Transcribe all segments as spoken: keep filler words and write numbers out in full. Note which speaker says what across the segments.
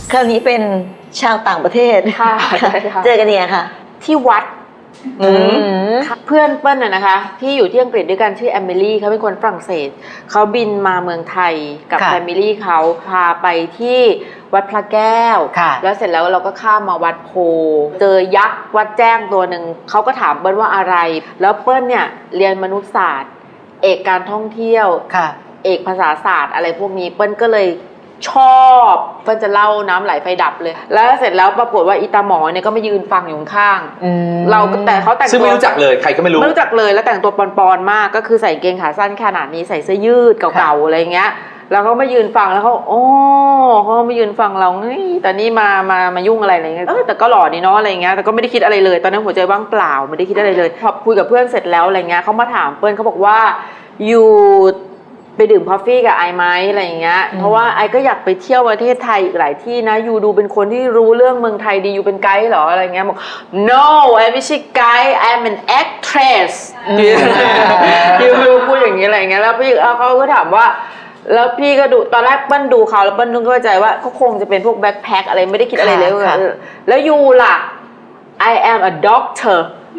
Speaker 1: คราวนี้เป็นชาวต่างประเทศค่ะเจอกันเนี่ยค่ะ
Speaker 2: ที่วัดเพื่อนเปิ้ลน่ะนะคะที่อยู่ที่อังกฤษด้วยกันชื่อแอมเบลี่เขาเป็นคนฝรั่งเศสเขาบินมาเมืองไทยกับแฟมิลี่เขาพาไปที่วัดพระแก้วแล้วเสร็จแล้วเราก็ข้ามมาวัดโพเจอยักษ์วัดแจ้งตัวหนึ่งเขาก็ถามเปิ้ลว่าอะไรแล้วเปิ้ลเนี่ยเรียนมนุษยศาสตร์เอกการท่องเที่ยวเอกภาษาศาสตร์อะไรพวกนี้เปิ้ลก็เลยชอบเปิ้ลจะเล่าน้ำไหลไฟดับเลยแล้วเสร็จแล้วปรากฏว่าอีตาหมอเนี่ยก็มายืนฟังอยู่ข้างเราแต่เขาแต่งตัว
Speaker 3: ซึ่งไม่รู้จักเลยใครก็ไม่รู้
Speaker 2: ไม่รู้จักเลยแล้วแต่งตัวปอนๆมากก็คือใส่เกงขาสั้นขนาดนี้ใส่เสื้อยืดเก่าๆอะไรเงี้ยแล้วเขามายืนฟังแล้วเขาโอ้เขามายืนฟังเราเฮ้ยแต่นี่มามามายุ่งอะไรอะไรเงี้ยเออแต่ก็หล่อนี่เนาะอะไรเงี้ยแต่ก็ไม่ได้คิดอะไรเลยตอนนั้นหัวใจว่างเปล่าไม่ได้คิดอะไรเลยพอคุยกับเพื่อนเสร็จแล้วอะไรเงี้ยเขามาถามเปิ้ลเขาบอกว่าอยู่ไปดื่มกาแฟกับไอไหมอะไรอย่างเงี้ยเพราะว่าไอก็อยากไปเที่ยวประเทศไทยอีกหลายที่นะยูดูเป็นคนที่รู้เรื่องเมืองไทยดียูเป็นไกด์เหรออะไรเงี้ยบอก no ไอไม่ใช่ไกด์ I'm an actress ยูพูดอย่างนี้อะไรเงี้ยแล้วพี่เขาก็ถามว่าแล้วพี่ก็ดูตอนแรกเปิ้ลดูเขาแล้วเปิ้ลนึกเข้าใจว่าเขาคงจะเป็นพวกแบ็คแพ็คอะไรไม่ได้คิดอะไรเลยแล้วยูล่ะ I am a doctor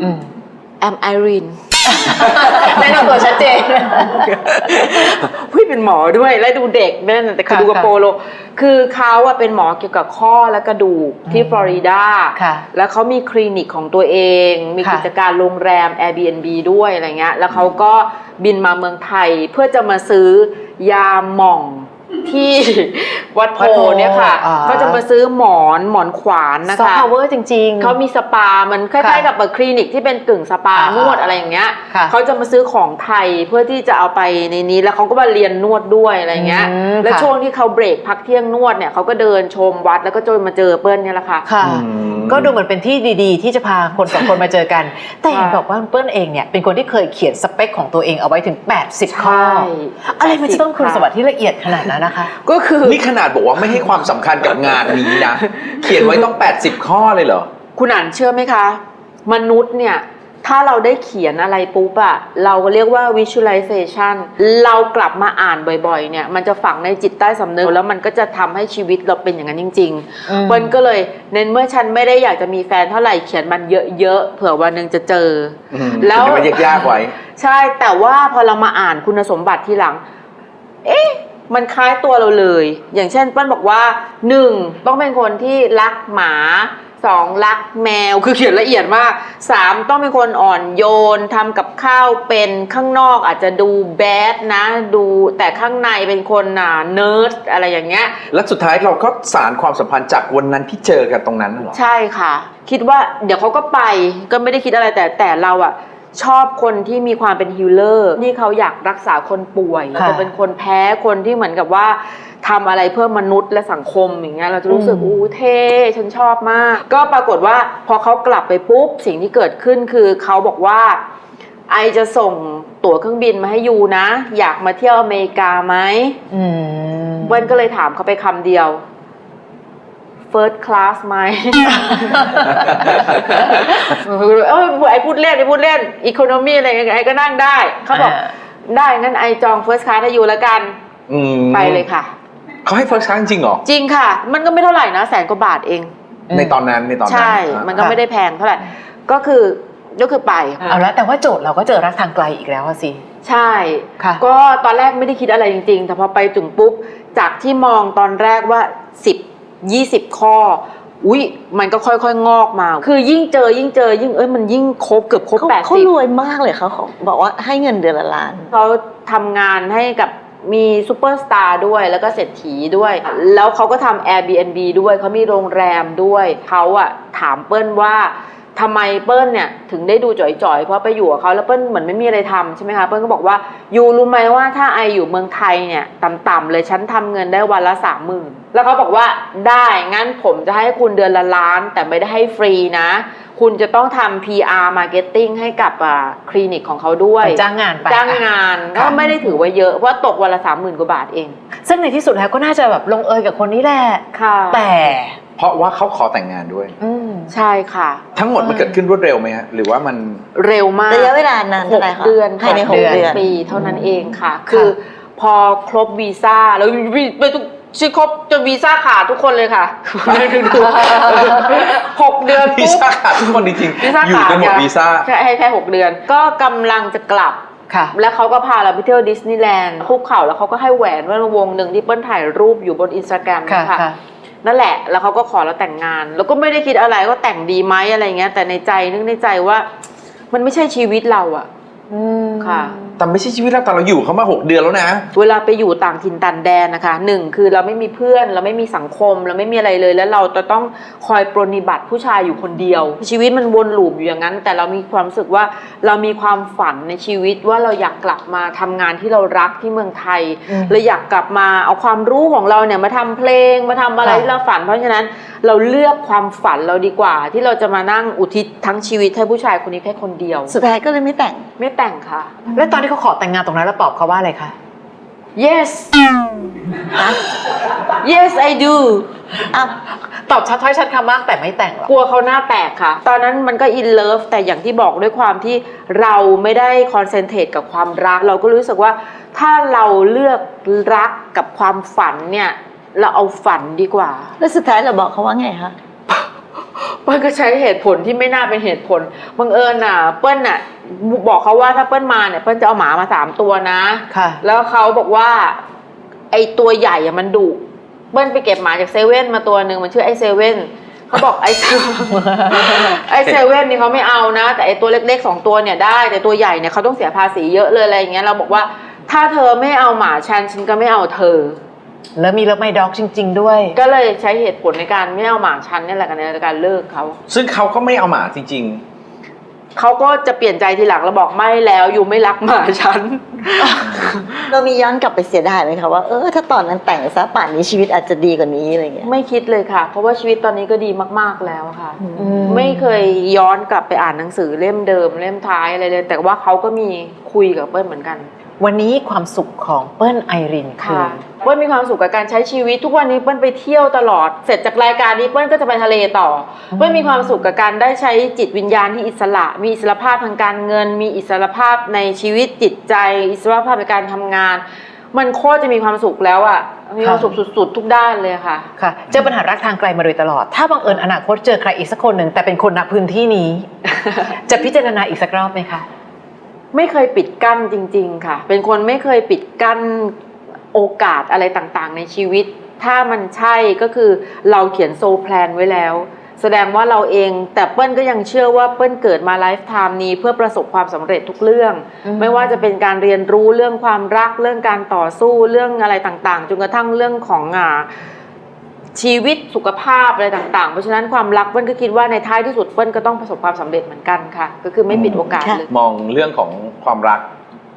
Speaker 2: I'm Irene
Speaker 1: แนะนำตัวชัดเจน
Speaker 2: พี่เป็นหมอด้วยและดูเด็กนั่นแต่คือดูกับโปโลคือเขาอะเป็นหมอเกี่ยวกับข้อและกระดูกที่ฟลอริดาแล้วเขามีคลินิกของตัวเองมีกิจการโรงแรม Airbnb ด้วยอะไรเงี้ยแล้วเขาก็บินมาเมืองไทยเพื่อจะมาซื้อยาหม่องที่วัดโพเนี่ยค่ะเขาจะมาซื้อหมอนหมอนขวานนะคะ
Speaker 1: ซอฟต์พาวเวอร์จริงๆ
Speaker 2: เขามีสปามันคล้ายๆกับคลินิกที่เป็นกึ่งสปานวดอะไรอย่างเงี้ยเขาจะมาซื้อของไทยเพื่อที่จะเอาไปในนี้แล้วเขาก็มาเรียนนวดด้วยอะไรเงี้ยแล้วช่วงที่เขาเบรกพักเที่ยงนวดเนี่ยเขาก็เดินชมวัดแล้วก็จนมาเจอเปิ้ลเนี่ยแหละค่ะ
Speaker 1: ก็ดูเหมือนเป็นที่ดีๆที่จะพาคนสองคนมาเจอกันแต่เห็นบอกว่าเปิ้ลเองเนี่ยเป็นคนที่เคยเขียนสเปคของตัวเองเอาไว้ถึงแปดสิบข้ออะไรมันจะต้องคุณสมบัติที่ละเอียดขนาดนั้นนะคะ
Speaker 2: ก็คือ
Speaker 3: นี่ขนาดบอกว่าไม่ให้ความสำคัญกับงานนี้นะเขียนไว้ต้องแปดสิบข้อเลยเหรอ
Speaker 2: คุณอ่านเชื่อไหมคะมนุษย์เนี่ยถ้าเราได้เขียนอะไรปุ๊บอะเราเรียกว่า visualization เรากลับมาอ่านบ่อยๆเนี่ยมันจะฝังในจิตใต้สำนึกแล้วมันก็จะทำให้ชีวิตเราเป็นอย่างนั้นจริงๆเปิ้ลก็เลยเน้นเมื่อฉันไม่ได้อยากจะมีแฟนเท่าไหร่เขียนมันเยอะๆเผื่อวันนึงจะเจอ
Speaker 3: แล้วมันยากๆไว้
Speaker 2: ใช่แต่ว่าพอเรามาอ่านคุณสมบัติทีหลังเอ๊ะมันคล้ายตัวเราเลยอย่างเช่นเปิ้ลบอกว่าหนึ่งต้องเป็นคนที่รักหมาสองรักแมวคือเขียนละเอียดมากสามต้องเป็นคนอ่อนโยนทำกับข้าวเป็นข้างนอกอาจจะดูแบดนะดูแต่ข้างในเป็นคนน่ะเนิร์ดอะไรอย่างเงี้ย
Speaker 3: แล้วสุดท้ายเราก็สารความสัมพันธ์จากวันนั้นที่เจอกันตรงนั้นเหรอ
Speaker 2: ใช่ค่ะคิดว่าเดี๋ยวเขาก็ไปก็ไม่ได้คิดอะไรแต่แต่เราอะชอบคนที่มีความเป็นฮีลเลอร์ที่เขาอยากรักษาคนป่วยจะเป็นคนแพ้คนที่เหมือนกับว่าทำอะไรเพื่อมนุษย์และสังคมอย่างเงี้ยเราจะรู้สึกอู้เท่ฉันชอบมากก็ปรากฏว่าพอเขากลับไปปุ๊บสิ่งที่เกิดขึ้นคือเขาบอกว่าไอจะส่งตั๋วเครื่องบินมาให้ยูนะอยากมาเที่ยวอเมริกาไหมเบิ้ลก็เลยถามเขาไปคำเดียวFirst class ไหม เออไอพูดเล่นไอพูดเล่น Economy อะไรไอก็นั่งได้เขาบอกได้งั้นไอจอง First class ให้อยู่แล้วกันไปเลยค่ะ
Speaker 3: เขาให้ First class จริงเหรอ
Speaker 2: จริงค่ะมันก็ไม่เท่าไหร่นะแสนกว่าบาทเอง
Speaker 3: ในตอนนั้นในตอนนั้น
Speaker 2: ใช่มันก็ไม่ได้แพงเท่าไหร่ก็คือก็คือไป
Speaker 1: เอาละแต่ว่าโจทย์เราก็เจอรักทางไกลอีกแล้วสิ
Speaker 2: ใช่ก็ตอนแรกไม่ได้คิดอะไรจริงๆแต่พอไปถึงปุ๊บจากที่มองตอนแรกว่าสิบยี่สิบข้ออุ้ยมันก็ค่อยๆงอกมาคือยิ่งเจอยิ่งเจอยิ่งเอ้ยมันยิ่งครบเกือบครบแปดสิบ
Speaker 1: เขารวยมากเลยเขาบอกว่าให้เงินเดือนละล้าน
Speaker 2: เขาทำงานให้กับมีซูเปอร์สตาร์ด้วยแล้วก็เศรษฐีด้วยแล้วเขาก็ทำ Airbnb ด้วยเขามีโรงแรมด้วยเขาอะถามเปิ้ลว่าทำไมเปิ้ลเนี่ยถึงได้ดูจ่อยๆเพราะไปอยู่กับเขาแล้วเปิ้ลเหมือนไม่มีอะไรทำใช่ไหมคะเปิ้ลก็บอกว่ายูรู้ไหมว่าถ้าไออยู่เมืองไทยเนี่ยต่ำๆเลยฉันทำเงินได้วันละสามหมื่นแล้วเขาบอกว่าได้งั้นผมจะให้คุณเดือนละล้านแต่ไม่ได้ให้ฟรีนะคุณจะต้องทำ พี อาร์ Marketing ให้กับคลินิกของเขาด้วย
Speaker 1: จ้างงานไป
Speaker 2: จ้างงานก็ไม่ได้ถือว่าเยอะเพราะตกวันละสามหมื่นกว่าบาทเอง
Speaker 1: ซึ่งในที่สุดแล้วก็น่าจะแบบลงเอยกับคนนี้แหละแต่
Speaker 3: เพราะว่าเขาขอแต่งงานด้วย
Speaker 2: ใช่ค่ะ
Speaker 3: ทั้งหมดมันเกิดขึ้นรวดเร็วไหมฮะหรือว่ามัน
Speaker 2: เร็วมาก
Speaker 1: ระยะเวลานานเท่าไหร่คะ
Speaker 2: เดือนภายในหกเดือนปีเท่านั้นเองค่ะคือพอครบวีซ่าแล้วไปชื่อครบจนวีซ่าขาดทุกคนเลยค่ะหกเดือน
Speaker 3: วีซ่าขาดทุกคนจริง
Speaker 2: วีซ่า
Speaker 3: ๆอยู่
Speaker 2: ขาด
Speaker 3: กันหมดวีซ่า
Speaker 2: แค่ให้แค่หกเดือน ก็กำลังจะกลับ
Speaker 1: ค่ะ
Speaker 2: แล้วเขาก็พาเราไปเที่ยวดิสนีย์แลนด์คุกเข่าแล้วเขาก็ให้แหวนว่าวงหนึ่งที่เปิ้ลถ่ายรูปอยู่บนอินสตาแกรม
Speaker 1: ค่ะ
Speaker 2: ค่ะ
Speaker 1: ค่ะ
Speaker 2: นั่นแหละแล้วเขาก็ขอเราแต่งงาน แล้วก็ไม่ได้คิดอะไรก็แต่งดีไหมอะไรเงี้ยแต่ในใจนึกในใจว่ามันไม่ใช่ชีวิตเราอะ
Speaker 1: อืม
Speaker 2: ค่ะ
Speaker 3: แต่ไม่ใช่ชีวิตเราแต่เราอยู่เขามาหกเดือนแล้วนะ
Speaker 2: เวลาไปอยู่ต่างถิ่นต่างแดนนะคะหนึ่งคือเราไม่มีเพื่อนเราไม่มีสังคมเราไม่มีอะไรเลยแล้วเราจะต้องคอยปรนนิบัติผู้ชายอยู่คนเดียว ชีวิตมันวนลูปอยู่อย่างนั้น แต่เรามีความรู้สึกว่าเรามีความฝันในชีวิตว่าเราอยากกลับมาทำงานที่เรารักที่เมืองไทย
Speaker 1: อืม
Speaker 2: เราอยากกลับมาเอาความรู้ของเราเนี่ยมาทำเพลงมาทำอะไร
Speaker 1: ค่ะ
Speaker 2: ที่เราฝันเพราะฉะนั้นเราเลือกความฝันเราดีกว่า ที่เราจะมานั่งอุทิศทั้งชีวิตให้ผู้ชายคนนี้แค่คนเดียว
Speaker 4: สุดท้ายก็เลยไม่แต่ง
Speaker 2: ไม่แต่งค่ะ
Speaker 1: แล้วตอนที่เขาขอแต่งงานตรงนั้นแล้วตอบเขาว่าอะไรคะ
Speaker 2: yes yes I do
Speaker 4: อ้าว
Speaker 1: ตอบชัดถ้อยชัดคำมากแต่ไม่แต่งหรอก
Speaker 2: กลัวเขาหน้าแตกค่ะ ตอนนั้นมันก็อินเลิฟแต่อย่างที่บอกด้วยความที่เราไม่ได้คอนเซนเทรตกับความรัก เราก็รู้สึกว่าถ้าเราเลือกรักกับความฝันเนี่ยเราเอาฝันดีกว่า
Speaker 4: แล้วสุดท้ายเราบอกเขาว่าไงคะ
Speaker 2: เปิ้ลก็ใช้เหตุผลที่ไม่น่าเป็นเหตุผลบังเอิญน่ะเปิ้ลน่ะบอกเขาว่าถ้าเปิ้ลมาเนี่ยเปิ้ลจะเอาหมามาสามตัวนะ
Speaker 1: ค่ะ
Speaker 2: แล้วเขาบอกว่าไอตัวใหญ่อะมันดุเบิ้ลไปเก็บหมาจากเซเว่นมาตัวหนึ่งมันชื่อไอเซเว่นเขาบอกไอเซ ไอเซเว่นนี่เขาไม่เอานะ แต่ไอตัวเล็กๆสองตัวเนี่ยได้แต่ตัวใหญ่เนี่ยเขาต้องเสียภาษีเยอะเลยอะไรอย่างเงี้ยเราบอกว่าถ้าเธอไม่เอาหมาฉันฉันก็ไม่เอาเธอ
Speaker 1: แล้วมีเลิฟไมด็อกจริง ๆ ด้วย
Speaker 2: ก็เลยใช้เหตุผลในการไม่เอาหมาฉันนี่แหละกันในการเลิกเขา
Speaker 3: ซึ่งเขาก็ไม่เอาหมาจริง
Speaker 2: เขาก็จะเปลี่ยนใจทีหลังแล้วบอกไม่แล้วอยู่ไม่รักหมาฉัน
Speaker 4: เรามีย้อนกลับไปเสียดายไหมคะว่าเออถ้าตอนนั้นแต่งซะป่านนี้ชีวิตอาจจะดีกว่านี้อะไรเงี้ย
Speaker 2: ไม่คิดเลยค่ะ เพราะว่าชีวิตตอนนี้ก็ดีมากๆแล้วค่ะ
Speaker 1: อืม
Speaker 2: ไม่เคยย้อนกลับไปอ่านหนังสือเล่มเดิมเล่มท้ายอะไรเลย แต่ว่าเขาก็มีคุยกับเปิ้ลเหมือนกัน
Speaker 1: วันนี้ความสุขของเปิ้ลไอรินคือ
Speaker 2: ค่ะเปิ้ลมีความสุขกับการใช้ชีวิตทุกวันนี้เปิ้ลไปเที่ยวตลอดเสร็จจากรายการนี้เปิ้ลก็จะไปทะเลต่อเปิ้ลมีความสุขกับการได้ใช้จิตวิญญาณที่อิสระ มีอิสรภาพทางการเงิน มีอิสรภาพในชีวิตจิตใจ อิสรภาพในการทำงาน มันโคตรจะมีความสุขแล้วอ่ะมีความสุขสุดๆทุกด้านเลยค่ะ
Speaker 1: ค่ะเจอปัญหารักทางไกลมาโดยตลอด ถ้าบังเอิญอนาคตเจอใครอีกสักคนหนึ่งแต่เป็นคนณพื้นที่นี้ จะพิจารณาอีกสักรอบไหมคะ
Speaker 2: ไม่เคยปิดกั้นจริงๆค่ะ เป็นคนไม่เคยปิดกั้นโอกาสอะไรต่างๆในชีวิต ถ้ามันใช่ก็คือเราเขียนโซลแพลนไว้แล้ว แสดงว่าเราเองแต่เปิ้ลก็ยังเชื่อว่าเปิ้ลเกิดมาไลฟ์ไทม์นี้เพื่อประสบความสำเร็จทุกเรื่อง
Speaker 1: อืม
Speaker 2: ไม่ว่าจะเป็นการเรียนรู้เรื่องความรักเรื่องการต่อสู้เรื่องอะไรต่างๆจนกระทั่งเรื่องของอ่าชีวิตสุขภาพอะไรต่างๆเพราะฉะนั้นความรักเปิ้ลก็คิดว่าในท้ายที่สุดเปิ้ลก็ต้องประสบความสำเร็จเหมือนกันค่ะ ก็คือไม่ปิดโอกาสเลย
Speaker 3: ๆ มองเรื่องของความรัก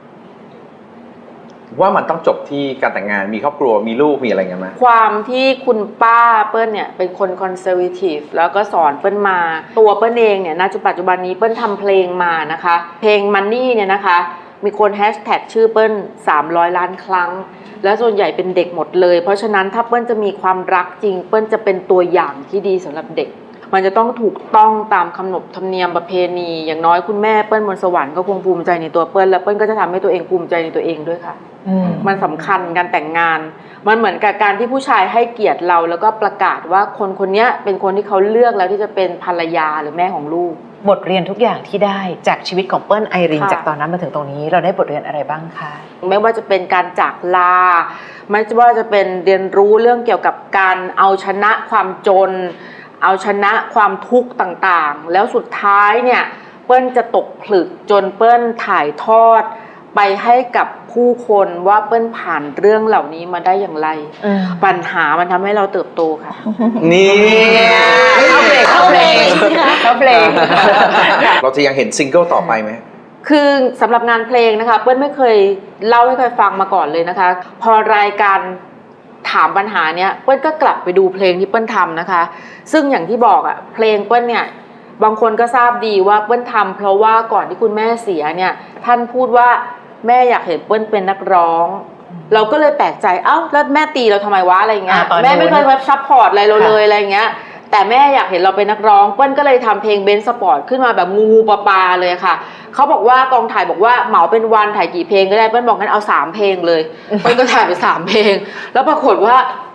Speaker 3: ว่ามันต้องจบที่การแต่งงานมีครอบครัวมีลูกมีอะไรกันไหม
Speaker 2: ความที่คุณป้าเปิ้ลเนี่ยเป็นคนคอนเซอร์วทีฟแล้วก็สอนเปิ้ลมาตัวเปิ้ลเองเนี่ยณปัจจุบันนี้เปิ้ลทำเพลงมานะคะ เพลง Money เนี่ยนะคะมีคนแฮชแท็กชื่อเปิ้ลสามร้อยล้านครั้ง และส่วนใหญ่เป็นเด็กหมดเลยเพราะฉะนั้นถ้าเปิ้ลจะมีความรักจริง เปิ้ลจะเป็นตัวอย่างที่ดีสำหรับเด็ก มันจะต้องถูกต้องตามขนบธรรมเนียมประเพณีอย่างน้อยคุณแม่เปิ้ลบนสวรรค์ก็คงภูมิใจในตัวเปิ้ลและเปิ้ลก็จะทำให้ตัวเองภูมิใจในตัวเองด้วยค่ะ
Speaker 1: อืม
Speaker 2: มันสำคัญการแต่งงาน มันเหมือนกับการที่ผู้ชายให้เกียรติเราแล้วก็ประกาศว่าคนคนนี้เป็นคนที่เขาเลือกแล้วที่จะเป็นภรรยาหรือแม่ของลูก
Speaker 1: บทเรียนทุกอย่างที่ได้จากชีวิตของเปิ้ลไอริน
Speaker 2: ค่ะ
Speaker 1: จากตอนนั้นมาถึงตรงนี้เราได้บทเรียนอะไรบ้างคะ
Speaker 2: ไม่ว่าจะเป็นการจากลา ไม่ว่าจะเป็นเรียนรู้เรื่องเกี่ยวกับการเอาชนะความจน เอาชนะความทุกข์ต่างๆ แล้วสุดท้ายเนี่ยเปิ้ลจะตกผลึกจนเปิ้ลถ่ายทอด ไปให้กับผู้คนว่าเปิ้ลผ่านเรื่องเหล่านี้มาได้อย่างไร
Speaker 1: อืม
Speaker 2: ปัญหามันทำให้เราเติบโตค่ะ
Speaker 3: นี่
Speaker 1: เข้าเพลงเข้าเพลงเข้าเพลง
Speaker 3: เราจะยังเห็นซิงเกิลต่อไปไหม
Speaker 2: คือสำหรับงานเพลงนะคะเปิ้ลไม่เคยเล่าให้ใครฟังมาก่อนเลยนะคะ พอรายการถามปัญหาเนี้ยเปิ้ลก็กลับไปดูเพลงที่เปิ้ลทำนะคะ ซึ่งอย่างที่บอกอะเพลงเปิ้ลเนี่ยบางคนก็ทราบดีว่าเปิ้ลทำเพราะว่าก่อนที่คุณแม่เสียเนี่ยท่านพูดว่าแม่อยากเห็นเปิ้ลเป็นนักร้อง เราก็เลยแปลกใจเอ้าแล้วแม่ตีเราทำไมวะอะไรเงี้ย
Speaker 1: อ่าตอนนู้น
Speaker 2: แม่ไม่เคยเว็บซัพพอร์ตอะไรเรา
Speaker 1: ค่ะ
Speaker 2: เลยอะไรเงี้ยแต่แม่อยากเห็นเราเป็นนักร้องเปิ้ลก็เลยทำเพลงเบนซ์สปอร์ตขึ้นมาแบบงูปลาปลาเลยค่ะเขาบอกว่ากองถ่ายบอกว่าเหมาเป็นวันถ่ายกี่เพลงก็ได้เปิ้ลบอกงั้นเอาสามเพลงเลยเปิ้ลก็ถ่ายไปสามเพลง แล้วปรากฏว่า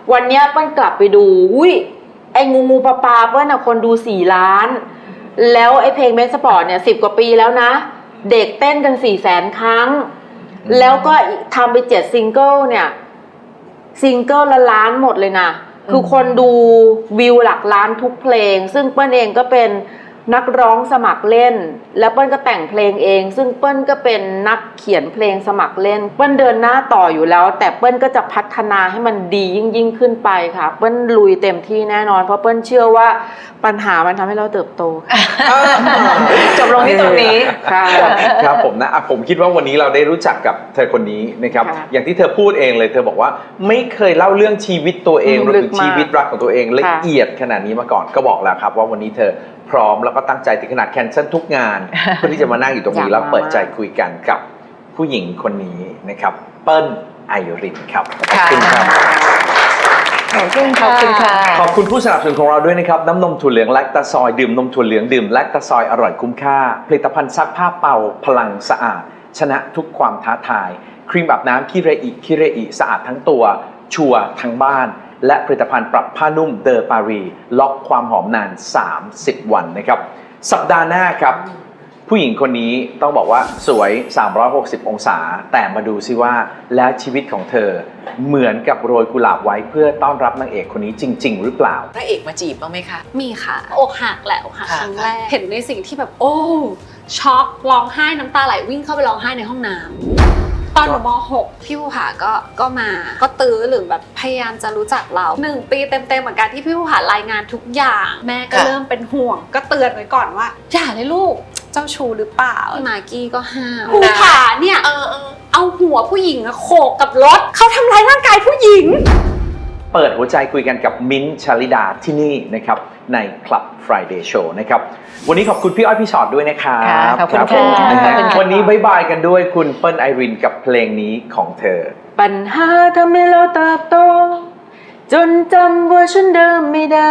Speaker 2: วันเนี้ยเปิ้ลกลับไปดูอุ้ยไอ้งูงูปลาปลาเปิ้ลอะคนดูสี่ล้านแล้วไอ้เพลงเมสสปอร์ตเนี่ยสิบกว่าปีแล้วนะเด็กเต้นกันสี่แสนครั้งแล้วก็ทำไปเจ็ดซิงเกิลเนี่ยซิงเกิลละล้านหมดเลยนะคือคนดูวิวหลักล้านทุกเพลงซึ่งเปิ้ลเองก็เป็นนักร้องสมัครเล่นแล้วเปิ้ลก็แต่งเพลงเองซึ่งเปิ้ลก็เป็นนักเขียนเพลงสมัครเล่นเปิ้ลเดินหน้าต่ออยู่แล้วแต่เปิ้ลก็จะพัฒนาให้มันดียิ่งยิ่งขึ้นไปค่ะเปิ้ลลุยเต็มที่แน่นอนเพราะเปิ้ลเชื่อว่าปัญหามันทำให้เราเติบโต
Speaker 1: จบลงที่ตรงนี้
Speaker 2: ค่ะ
Speaker 3: ครับผมนะอ่ะผมคิดว่าวันนี้เราได้รู้จักกับเธอคนนี้นะครับอย่างที่เธอพูดเองเลยเธอบอกว่าไม่เคยเล่าเรื่องชีวิตตัวเองหรือชีวิตรักของตัวเองละเอียดขนาดนี้มาก่อนก็บอกแล้วครับว่าวันนี้เธอพร้อมแล้วก็ตั้งใจถึงขนาดแคนเซิลทุกงานเพื่อที่จะมานั่งอยู่ตรงนี้แล้วเปิดใจคุยกันกับผู้หญิงคนนี้นะครับเปิ้ลไอรินครับขอบคุณครับ
Speaker 4: ขอบคุณค่ะ
Speaker 1: ขอบคุณค่ะ
Speaker 3: ขอบคุณผู้สนับสนุนของเราด้วยนะครับน้ำนมถั่วเหลืองแลคตาซอยดื่มนมถั่วเหลืองดื่มแลคตาซอยอร่อยคุ้มค่าผลิตภัณฑ์ซักผ้าเป่าพลังสะอาดชนะทุกความท้าทายครีมอาบน้ำคิเรอิคิเรอิสะอาดทั้งตัวชัวร์ทั้งบ้านและผลิตภัณฑ์ปรับผ้านุ่มเดอปารีล็อกความหอมนานสามสิบวันนะครับสัปดาห์หน้าครับผู้หญิงคนนี้ต้องบอกว่าสวยสามร้อยหกสิบองศาแต่มาดูซิว่าแล้วชีวิตของเธอเหมือนกับโรยกุหลาบไว้เพื่อต้อนรับนางเอกคนนี้จริงๆหรือเปล่า
Speaker 1: พระเอกมาจีบบ้างไหมคะ
Speaker 5: มีค่ะอกหักแหละอกหักครั้งแรกเห็นในสิ่งที่แบบโอ้ช็อกร้องไห้น้ำตาไหลวิ่งเข้าไปร้องไห้ในห้องน้ำตอนหนูม.หกพี่ภูผาก็ก็มาก็ตื้อหรือแบบพยายามจะรู้จักเราหนึ่งปีเต็มๆเหมือนกันที่พี่ภูผารายงานทุกอย่างแม่ก็เริ่มเป็นห่วงก็เตือนไว้ก่อนว่าอย่าเลยลูกเจ้าชู้หรือเปล่าพี่มากกี้ก็ห้ามภูผาเนี่ยเออเอาหัวผู้หญิงโขกกับรถเขาทำร้ายร่างกายผู้หญิง
Speaker 3: เปิดหัวใจคุยกันกับมิ้นท์ชลิดาที่นี่นะครับใน Club Friday Show นะครับวันนี้ขอบคุณพี่อ้อยพี่ชอตด้วยนะครับ
Speaker 1: ขอบคุณค่ะ
Speaker 3: วันนี้บ๊ายบายกันด้วยคุณเปิ้ลไอรินกับเพลงนี้ของเธอ
Speaker 2: ปัญหาทำให้เราเติบโตจนจำเวอร์ชันเดิมไม่ได้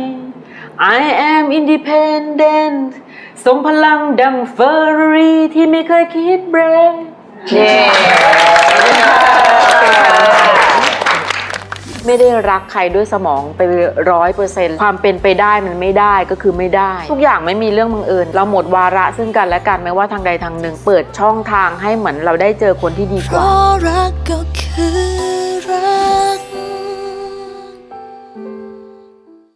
Speaker 2: I am independent ทรงพลังดังเฟอร์รารี่ที่ไม่เคยคิดเบรกไม่ได้รักใครด้วยสมองไปร้อยเปอร์เซ็นต์ความเป็นไปได้มันไม่ได้ก็คือไม่ได้ทุกอย่างไม่มีเรื่องบังเอิญเราหมดวาระซึ่งกันและกันไม่ว่าทางใดทางหนึ่งเปิดช่องทางให้เหมือนเราได้เจอคนที่ดีกว่า
Speaker 6: รักก็คือ